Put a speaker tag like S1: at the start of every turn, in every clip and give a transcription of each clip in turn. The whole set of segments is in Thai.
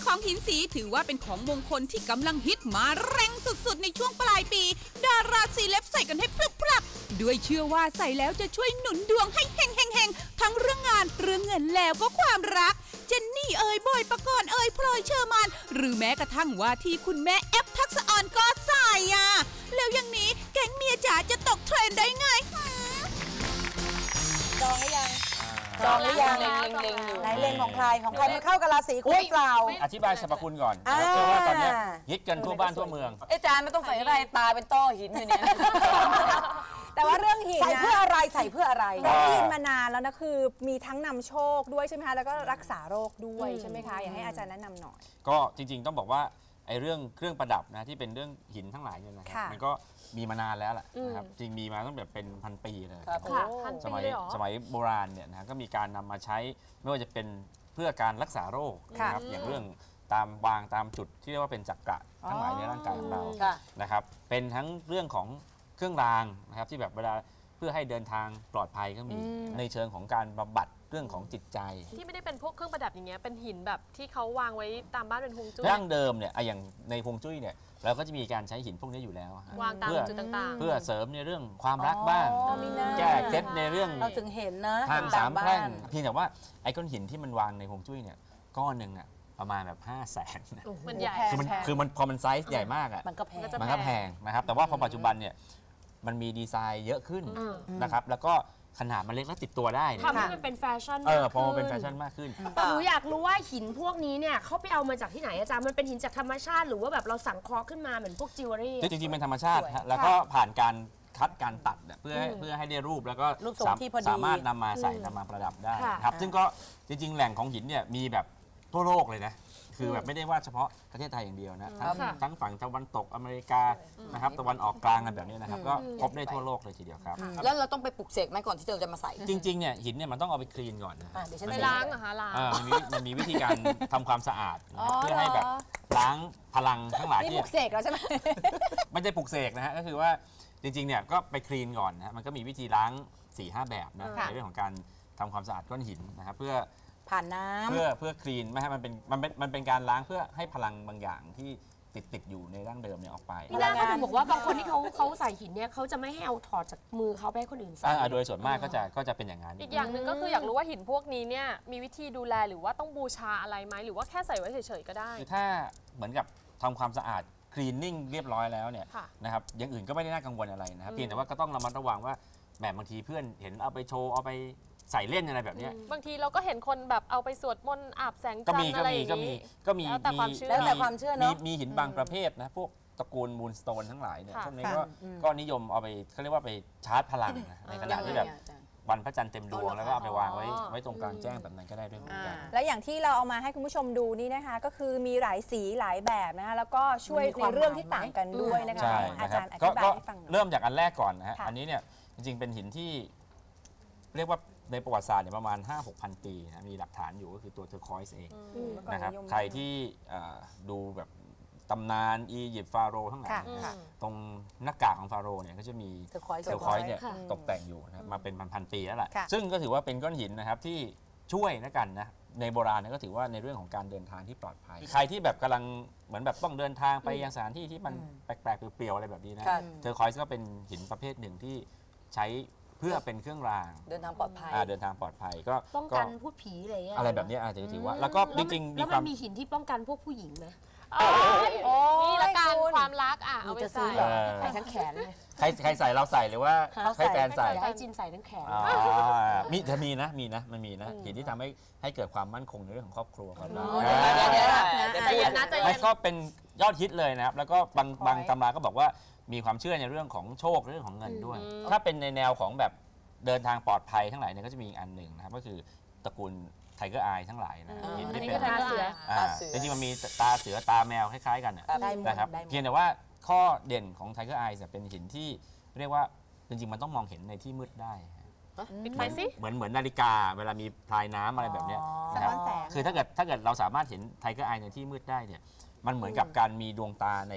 S1: ของหินสีถือว่าเป็นของมงคลที่กำลังฮิตมาแรงสุดๆในช่วงปลายปีดาราซีเล็บใส่กันให้พรึบๆด้วยเชื่อว่าใส่แล้วจะช่วยหนุนดวงให้เฮงๆๆทั้งเรื่องงานเรื่องเงินแล้วก็ความรักเจนนี่เอ่ยบอยปกรณ์เอ่ยพลอยเชอร์มานหรือแม้กระทั่งว่าที่คุณแม่แอปทักษะออนก็ใส่แล้วอย่างนี้แก๊งเมียจ๋าจะตกเทรนด์ได้ไง
S2: จองหรือยังจองหรือยังเล็งอยู่ไหนเล็งของใครมันเข้ากับราศีคุณเปล่า
S3: อธิบายสรรพคุณก่อนเชื่อว่าตอนนี้ฮิตกันทั่วบ้านทั่วเมือง
S2: อาจารย์ไม่ต้องใส่อะไรตาเป็นต้อหินอยู่เนี่ย
S4: แต่ว่าเรื่องหิน
S2: ใส่เพื่ออะไรใส่เพื่ออะไร
S4: ได้ยินมานานแล้วนะคือมีทั้งนำโชคด้วยใช่ไหมคะแล้วก็รักษาโรคด้วยใช่ไหมคะอยากให้อาจารย์แนะนำหน่อย
S3: ก็จริงๆต้องบอกว่าไอ้เรื่องเครื่องประดับนะที่เป็นเรื่องหินทั้งหลายเนี่ยนะครับมันก็มีมานานแล้วแหละนะครับจริงมีมาตั้งแต่เป็นพันปีเลยสมัยโบราณเนี่ยนะก็มีการนำมาใช้ไม่ว่าจะเป็นเพื่อการรักษาโรคนะครับอย่างเรื่องตามวางตามจุดที่เรียกว่าเป็นจักระทั้งหลายในร่างกายของเรานะครับเป็นทั้งเรื่องของเครื่องรางนะครับที่แบบเวลาเพื่อให้เดินทางปลอดภัยก็มีในเชิงของการบำบัดเรื่องของจิตใจ
S5: ที่ไม่ได้เป็นพวกเครื่องประดับอย่างเงี้ยเป็นหินแบบที่เขาวางไว้ตามบ้านเป็นฮวงจุ้ย
S3: ดั้งเดิมเนี่ยอย่างในฮวงจุ้ยเนี่ยเราก็จะมีการใช้หินพวกนี้อยู่แล้ว
S5: วางตามจุดต่างๆ
S3: เพื่อเสริมในเรื่องความรักบ้างแก้เคล็ดในเรื่อง
S2: เราถึงเห็นนะ
S3: ทางสามแพร่งเพียงแต่ว่าไอ้ก้อนหินที่มันวางในฮวงจุ้ยเนี่ยก้อนหนึ่งประมาณแบบ500,000
S5: มันใหญ่
S3: คือมันพอมันไซส์ใหญ่มาก
S2: มันก็แพ
S3: งนะครับแต่ว่าพอปัจจุบันเนี่ยมันมีดีไซน์เยอะขึ้นนะครับแล้วก็ขนาดมันเล็กและติดตัวได้
S5: ทำให้มันเป็นแฟชั่น
S3: พอมันเป็นแฟชั่นมากขึ้น
S6: แต่หนูอยากรู้ว่าหินพวกนี้เนี่ยเขาไปเอามาจากที่ไหนอาจารย์มันเป็นหินจากธรรมชาติหรือว่าแบบเราสังเคราะห์ขึ้นมาเหมือนพวกจิวเวลรี่
S3: จริงๆเป็นธรรมชาติแล้วก็ผ่านการคัดการตัดเพื่อให้ได้รูปแล้วก็สามารถนำมาใส่นำมาประดับได้ครับซึ่งก็จริงๆแหล่งของหินเนี่ยมีแบบทั่วโลกเลยนะคือแบบไม่ได้ว่าเฉพาะประเทศไทยอย่างเดียวนะทั้งฝั่งตะวันตกอเมริกานะครับตะวันออกกลางอะไรแบบนี้นะครับก็พบได้ทั่วโลกเลยทีเดียวครับ
S2: แล้วเราต้องไปปลุกเสกไหมก่อนที่เราจะมาใส่
S3: จริงๆเนี่ยหินเนี่ยมันต้องเอาไปคลีนก่อนนะ
S5: เดี๋ยวฉันไปล้างเหรอคะล้าง
S3: มันมีวิธีการทำความสะอาดเพื่อให้แบบล้างพลังทั้งหลายที่
S4: ปลุกเสกแล้วใช่ไหม
S3: ไม่ใช่ปลุกเสกนะฮะก็คือว่าจริงๆเนี่ยก็ไปคลีนก่อนนะมันก็มีวิธีล้าง 4-5 แบบนะในเรื่องของการทำความสะอาดก้อนหินนะครับเพื่อ
S2: ผ่านน้ำ
S3: เพื่อคลีนไม่ให้มันเป็นการล้างเพื่อให้พลังบางอย่างที่ติดอยู่ในร่างเดิมเนี่ยออกไป
S6: พี่นาเขาบอกว่าบางคนที่เขาใส่หินเนี่ยเขาจะไม่ให้เอาถอดจากมือเขาไปให้คนอื่นใส่
S3: โดยส่วนมากก็จะเป็นอย่างนั้น
S5: อีกอย่างหนึ่งก็คืออยากรู้ว่าหินพวกนี้เนี่ยมีวิธีดูแลหรือว่าต้องบูชาอะไรไหมหรือว่าแค่ใส่ไว้เฉยๆก็ได้
S3: คือถ้าเหมือนกับทำความสะอาดคลีนนิ่งเรียบร้อยแล้วเนี่ยนะครับอย่างอื่นก็ไม่ได้น่ากังวลอะไรนะครับเพียงแต่ว่าก็ต้องระมัดระวังว่าแบบบางทีเพื่อนเห็นเอาไปโชว์เอาไปใส่เล่นอะไรแบบนี้
S5: บางทีเราก็เห็นคนแบบเอาไปสวดมนต์อาบแสงจันทร์อะไรอย่างนี้
S2: แล้วแต่ความเชื่อเนาะ
S3: มีหินบางประเภทนะพวกตระกูลมูนสโตนทั้งหลายเนี่ยพวกนี้ก็นิยมเอาไปเขาเรียกว่าไปชาร์จพลังในขณะที่แบบวันพระจันทร์เต็มดวงแล้วก็เอาไปวางไว้ตรงกลางแจ้งแบบนั้นก็ได้ด้วยเหมือนกัน
S4: และอย่างที่เราเอามาให้คุณผู้ชมดูนี่นะคะก็คือมีหลายสีหลายแบบนะคะแล้วก็ช่วยในเรื่องที่ต่างกันด้วยนะคะอาจารย์อธิบายให้ฟัง
S3: เริ่มจากอันแรกก่อนนะฮะอันนี้เนี่ยจริงๆเป็นหินที่เรียกว่าในประวัติศาสตร์เนี่ยประมาณ 5-6,000 ปีนะมีหลักฐานอยู่ก็คือตัวเทอร์คอยส์เองนะครับใครที่ดูแบบตำนานอียิปต์ฟาโรห์ทั้งหลายตรงหน้ากากของฟาโรห์เนี่ยก็จะมีเทอร์คอยส์เนี่ยตกแต่งอยู่นะมาเป็นพันๆปีแล้วล่ะซึ่งก็ถือว่าเป็นก้อนหินนะครับที่ช่วยนะกันนะในโบราณก็ถือว่าในเรื่องของการเดินทางที่ปลอดภัยใครที่แบบกำลังเหมือนแบบต้องเดินทางไปยังสถานที่ที่มันแปลกๆเปลี่ยวๆอะไรแบบนี้นะเทอร์คอยส์ก็เป็นหินประเภทหนึ่งที่ใช้เพื่อเป็นเครื่องราง
S2: เดินทางปลอดภัย
S3: เดินทางปลอดภัยก็
S6: ป้องกันพูดผี
S3: อะไรแบบนี้อาจจะถือว่าแล้วก็จริงๆ
S6: แล้วมันมีหินที่ป้องกันพวกผู้หญิงไหม
S5: นี่ละกันความรักเอาไปใส่
S6: ทั้งแขนเลย
S3: ใครใส่เราใส่หรือว่าให้แฟนใส่
S6: ให้จินใส่ทั้งแขน
S3: มีนะมันมีนะหินที่ทำให้เกิดความมั่นคงในเรื่องของครอบครัวครับ
S5: ใจเย็นนะใจเย็น
S3: ก็เป็นยอดฮิตเลยนะครับแล้วก็บางตำราก็บอกว่ามีความเชื่อในเรื่องของโชคเรื่องของเงินด้วยถ้าเป็นในแนวของแบบเดินทางปลอดภัยทั้งหลายเนี่ยก็จะมีอีกอันหนึ่งนะครับก็คือตระกูลไทเกอร์อายทั้งหลายนะ
S6: เห็นที่เป็นตาเสือ
S3: จริงๆมันมีตาเสือตาแมวคล้ายๆกันนะครับเพียงแต่ว่าข้อเด่นของไทเกอร์อายเป็นหินที่เรียกว่าจริงๆมันต้องมองเห็นในที่มืดได้
S5: ปิดไฟสิ
S3: เหมือนนาฬิกาเวลามีพลายน้ำอะไรแบบนี้นะครับคือถ้าเกิดเราสามารถเห็นไทเกอร์อายในที่มืดได้เนี่ยมันเหมือนกับการมีดวงตาใน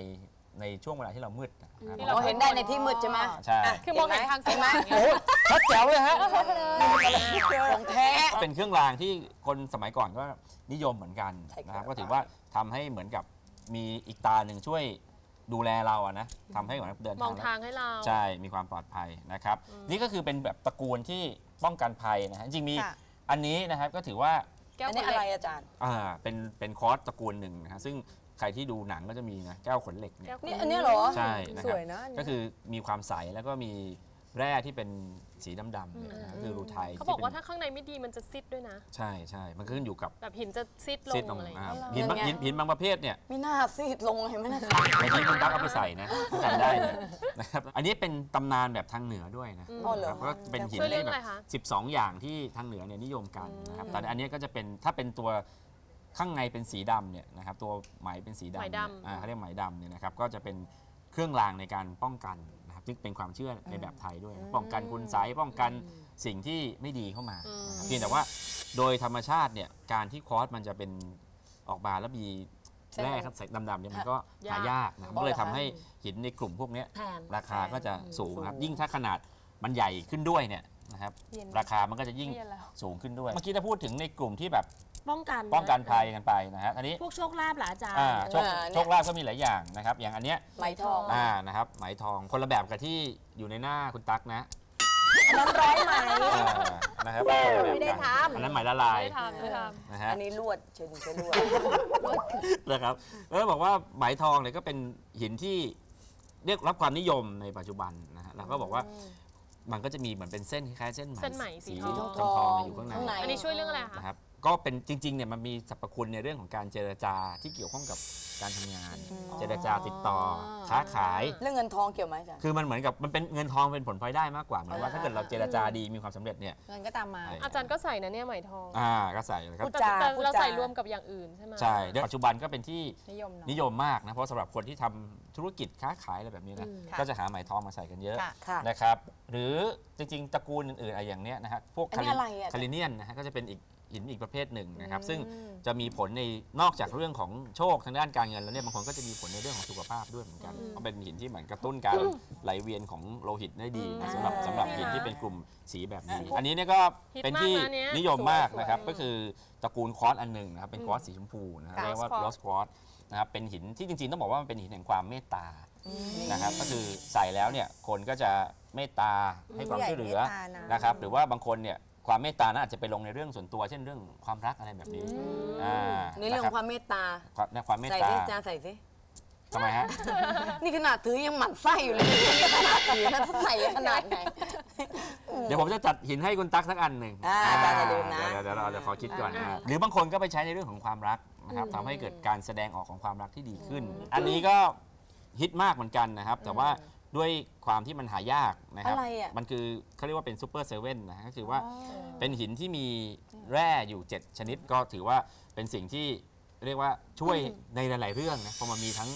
S3: ในช่วงเวลาที่เรามืดนะครับ
S6: เราเห็นได้ในที่มืดใช่ไหม
S3: ใช่
S5: คือมองเห็นทางสว่าง
S3: โอ้ชัดแจ๋วเลยฮะ
S6: ของแท้
S3: เป็นเครื่องรางที่คนสมัยก่อนก็นิยมเหมือนกัน
S6: ใช่ครับ
S3: นะครับก็ถือว่าทำให้เหมือนกับมีอีกตาหนึ่งช่วยดูแลเราอะนะทำให้เหมือนเดิน
S5: มอง
S3: ทา
S5: ทาง งให้เรา
S3: ใช่มีความปลอดภัยนะครับนี่ก็คือเป็นแบบตระกูลที่ป้องกันภัยนะฮะจริงๆมี
S2: ค่ะ
S3: อันนี้นะครับก็ถือว่า
S5: แก้ว
S6: อัน
S5: ข
S6: นี้
S5: น
S6: อะ
S5: เห
S6: ไร
S5: ล็ก
S6: อาจารย์
S3: เป็นคอร์สตระกูลหนึ่งนะฮะซึ่งใครที่ดูหนังก็จะมีนะแก้วขนเหล็กเนี่ย
S5: แก้วข
S6: นี่
S5: น
S6: อันนี้เหรอ
S3: ใช่นะ
S4: ส
S3: ครับ
S4: วยนะอันนี้
S3: ก็คือมีความใสแล้วก็มีแร่ที่เป็นสีดำๆเนี่ยนะคือรูไทย
S5: เขาบอกว่า
S3: ที่
S5: ถ้าข้างในไม่ดีมันจะซิดด้วยนะ
S3: ใช่ใช่มันขึ้นอยู่กับ
S5: แบบหินจะซิดล
S3: ซีด
S5: ง
S3: ลง
S5: อะไรอย่าง
S3: อ่า
S5: เงี้ย
S3: หินบางประเภทเนี่ย
S6: ไม่น่าซีดลงเห็นไหมนะ
S3: บางทีคุณตั๊กเอาไปใส่นะจำได้เลยนะครับอันนี้เป็นตำนานแบบทางเหนือด้วยนะ
S6: อ๋อเหรอ
S3: ครับก็เป็นหิน
S5: ช่วยเรื่อ
S3: ที่
S5: ง
S3: แบ
S5: อะไรคะ
S3: บ12 อย่างที่ทางเหนือเนี่ยนิยมกันนะครับแต่อันนี้ก็จะเป็นถ้าเป็นตัวข้างในเป็นสีดำเนี่ยนะครับตัวไหมเป็นสีดำ
S5: ไหม
S3: เนี่ย
S5: ดำ
S3: เขาเรียกไหมดำเนี่ยนะครับก็จะเป็นเครื่องรางในการป้องกันนะครับซึ่งเป็นความเชื่อในแบบไทยด้วยป้องกันคุณไสยป้องกันสิ่งที่ไม่ดีเข้ามานะครับเพียงแต่ว่าโดยธรรมชาติเนี่ยการที่ควอร์สมันจะเป็นออกมาแล้วมีแร่ครับดำๆเนี่ยมันก็หายากนะครับก็เลยทำให้หินในกลุ่มพวกเนี้ย
S6: แพง
S3: ราคาก็จะสูงครับยิ่งถ้าขนาดมันใหญ่ขึ้นด้วยเนี่ยนะครับราคามันก็จะยิ่ง
S5: เย็นแล้ว
S3: สูงขึ้นด้วย เมื่อกี้ถ้าพูดถึงในกลุ่มที่แบบ
S6: ป้องกัน
S3: ป้องกันภัยกันไปนะฮะอันนี้
S6: พวกโชคลาภเหรออาจารย์
S3: โชคลาภก็มีหลายอย่างนะครับอย่างอันเนี้ย
S6: ไหมทอง
S3: นะครับไหมทองคนละแบบกับที่อยู่ในหน้าคุณตั๊กนะ
S2: อันนั้นร้อยไหม
S3: นะครับ
S2: ไม่ได้ทำ
S3: อันนั้นไหมละลาย
S5: ไม่ทำไม่ท
S3: นะฮะ
S6: อันนี้ลวดเชิญลวด
S3: นะครับแล้วบอกว่าไหมทองเนี่ยก็เป็นหินที่เรียกรับความนิยมในปัจจุบันนะฮะเราก็บอกว่ามันก็จะมีเหมือนเป็นเส้นคล้ายๆเส้นไหม
S5: เส้นไหมสี
S3: สี
S5: ทอง
S3: ทองๆอยู่ข้างใน
S5: ำอันนี้ช่วยเรื่องอะไรคะ
S3: นะครับก็เป็นจริงๆเนี่ยมันมีสรรพคุณในเรื่องของการเจรจาที่เกี่ยวข้องกับการทำงาน เจรจาติดต่อค้าขาย
S6: เรื่องเงินทองเกี่ยวไหมอาจารย์
S3: คือมันเหมือนกับมันเป็นเงินทองเป็นผลพลอยได้มากกว่าเหมือนว่าถ้าเกิดเราเจรจาดีมีความสำเร็จเนี่ย
S4: เงินก็ตามมา
S5: อาจารย์ก็ใส่นะเนี่ยไหมทอง
S3: ก็ใส่เลยครับ
S5: แต่
S2: จา
S5: แต่
S2: พูด
S5: เรา
S2: จา
S5: ใส่รวมกับอย่างอื่นใช่ไหม
S3: ใช่เดี๋ยวปัจจุบันก็เป็นที่
S4: นิยมเนาะ
S3: นิยมมากนะเพราะสำหรับคนที่ทำธุรกิจค้าขายอะไรแบบนี้นะก็จะหาไหมทองมาใส่กันเยอะ
S2: ค่ะ
S3: นะครับหรือจริงๆตระกูลอื่นๆอะไรอย่างเนี้ยนะฮะพวก
S6: อันนี้อะไรอ่ะ
S3: คาริเนียนนะฮะก็จะเป็นอีกหินอีกประเภทหนึ่งนะครับซึ่งจะมีผลในนอกจากเรื่องของโชคทางด้านการเงินแล้วเนี่ยบางคนก็จะมีผลในเรื่องของสุขภาพด้วยเหมือนกันเพราะเป็นหินที่เหมือนกระตุ้นการไหลเวียนของโลหิตได้ดีนะสำหรับหินที่เป็นกลุ่มสีแบบนี้ อันนี้เนี่ยก็เป็นที่นิยมมากนะครับก็คือตระกูลควอตซ์อันหนึ่งนะครับเป็นควอตซ์สีชมพูนะเรียกว่าโรสควอตซ์นะครับเป็นหินที่จริงๆต้องบอกว่ามันเป็นหินแห่งความเมตตานะครับก็คือใส่แล้วเนี่ยคนก็จะเมตตาให้ความช่วยเหลือนะครับหรือว่าบางคนเนี่ยความเมตตานั้นอาจจะไปลงในเรื่องส่วนตัวเช่นเรื่องความรักอะไรแบบนี้
S6: ในเรื่องของความเมตตา
S3: ความเมต
S6: ใส่
S3: ตา
S6: สิอาจารย์ใส่สิ
S3: ทำไมฮะ
S6: นี่ขนาดถือยังหมั่นไส้อยู่เลยนี่ขนาดถือนะถ้าใส่ขนาดไหน
S3: เดี๋ยวผมจะจัดหินให้คุณตั๊กสักอันหนึ่ง
S6: อาจารย์อย่าลืมนะ
S3: เดี๋ยวเราขอคิดก่อนนะหรือบางคนก็ไปใช้ในเรื่องของความรักนะครับทำให้เกิดการแสดงออกของความรักที่ดีขึ้น อันนี้ก็ฮิตมากเหมือนกันนะครับแต่ว่าด้วยความที่มันหายากนะครับ
S6: อะไรอ่ะ
S3: มันคือเขาเรียกว่าเป็นซูเปอร์เซเว่นนะก็คือว่าเป็นหินที่มีแร่อยู่ 7 ชนิดก็ถือว่าเป็นสิ่งที่เรียกว่าช่วยในหลาย ๆ เรื่องนะเพราะมันมีทั้ง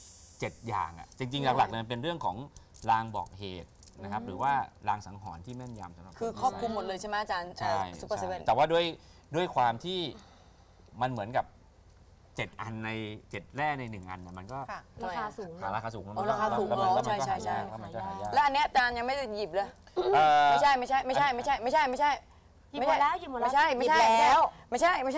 S3: 7 อย่างอ่ะจริง ๆ หลักๆเนี่ยเป็นเรื่องของลางบอกเหตุนะครับหรือว่าลางสังหรณ์ที่แม่นยำสำหรับ
S6: คือครอบคลุมหมดเลยใช่ไหมอาจารย์
S3: ใช่
S6: ซูเปอร์เซเว่น
S3: แต่ว่าด้วยความที่มันเหมือนกับ 7 อันใน 7 แร่ใน 1 อันนะมันก็
S2: ค่ะ
S6: ราคาสูง
S3: ราคาสูง
S6: อ๋อราคาสูง
S3: แล้วมัน
S6: อ๋อ
S3: ก็
S6: ใช่ใช่ใช่
S3: แล้วมันก็หายาก
S6: แล้วอันเนี้ยอาจารย์ยังไม่ได้หยิบเลย ไม่ใช่ไม่ใช่ไม่ใช่ไม่ใช่ไม่ใช่ไม่ใช่
S2: หยิบหมดแล้วหยิบหมดแล้ว
S6: ไม่ใช่ไม่ใช่
S2: หยิบแล้ว
S6: ไม่ใช่ไม่ใช่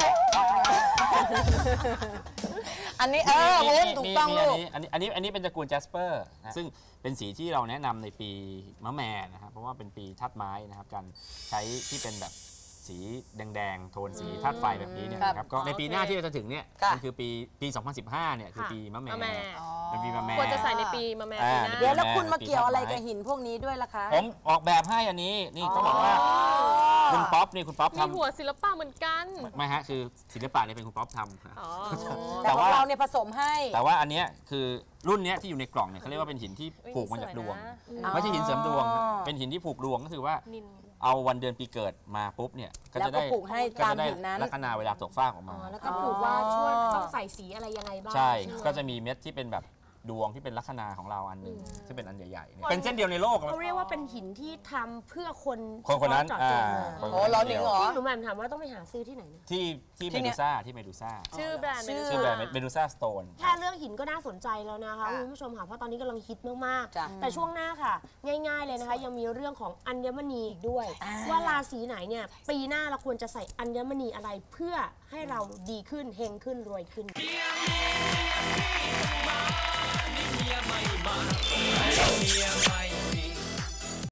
S6: อันนี้โว้ถูกต้องลูก
S3: อันนี้เป็นตระกูลแจสเปอร์นะซึ่งเป็นสีที่เราแนะนำในปีมะแม่นะครับเพราะว่าเป็นปีธาตุไม้นะครับการใช้ที่เป็นแบบสีแดงๆโทนสีธาตุไฟแบบนี้เนี่ยนะครับก็ในปีหน้าที่เราจะถึงเนี่ย
S6: ค่ะ
S3: มันคือปี 2015 เนี่ยคือปีมะแม่
S5: มะแม่
S3: เป็นปีมะแม่
S5: ควรจะใส่ในปีมาแม่ปีหน้า
S2: เดี๋ยวแล้วคุณมาเกี่ยวอะไรกับหินพวกนี้ด้วยล่ะคะ
S3: ผมออกแบบให้อันนี้นี่ต้องบอกว่าคุณป๊อปนี่คุณป๊อป
S5: มี
S3: ทำ
S5: หัวศิลปะเหมือนกัน
S3: ไม่ฮะคือศิลปะเนี่ยเป็นคุณป๊อปทำ
S5: อ๋อ
S2: แต่ของเราเนี่ยผสมให้
S3: แต่ว่าอันเนี้ยคือรุ่นเนี้ยที่อยู่ในกล่องเนี่ยเขาเรียกว่าเป็นหินที่ผูกมาจากดวง ไม่ใช่หินเสริมดวงครับเป็นหินที่ผูกดวงก็คือว่า
S5: นิน
S3: เอาวันเดือนปีเกิดมาปุ๊บเนี่ยก็จะได้
S2: แล้วก็ผูกให้ตามหินนั้น
S3: ลัคนาเวลาตกฟากออกมา
S6: แล้วก็ผูกว่าช่วยต้องใส่สีอะไรยังไงบ้าง
S3: ใช่
S6: ไหม
S3: ก็จะมีเม็ดที่เป็นแบบดวงที่เป็นลัคนาของเราอันหนึ่งซึ่งเป็นอันใหญ่ๆเนี่ยเป็นเส้นเดียวในโลก
S6: เขาเรียกว่าเป็นหินที่ทำเพื่อคน
S3: คนนั้น
S6: เจาะจงมา
S2: โอ้ร้อนหนิงเหรอ
S6: หนูแหม่มถามว่าต้องไปหาซื้อที่ไหนนะ
S3: ที่เมดูซ่า
S5: ชื่อแบรนด์
S3: ชื่อแบรนด์เมดูซ่าสโตน
S6: แค่เรื่องหินก็น่าสนใจแล้วนะคะคุณผู้ชมค่ะเพราะตอนนี้กำลังฮิตมาก
S2: จ้ะ
S6: ๆแต่ช่วงหน้าค่ะ ง่ายๆเลยนะคะยังมีเรื่องของอัญมณีอีกด้วย ว่าราศีไหนเนี่ยปีหน้าเราควรจะใส่อัญมณีอะไรเพื่อให้เราดีขึ้นเฮงขึ้นรวยขึ้น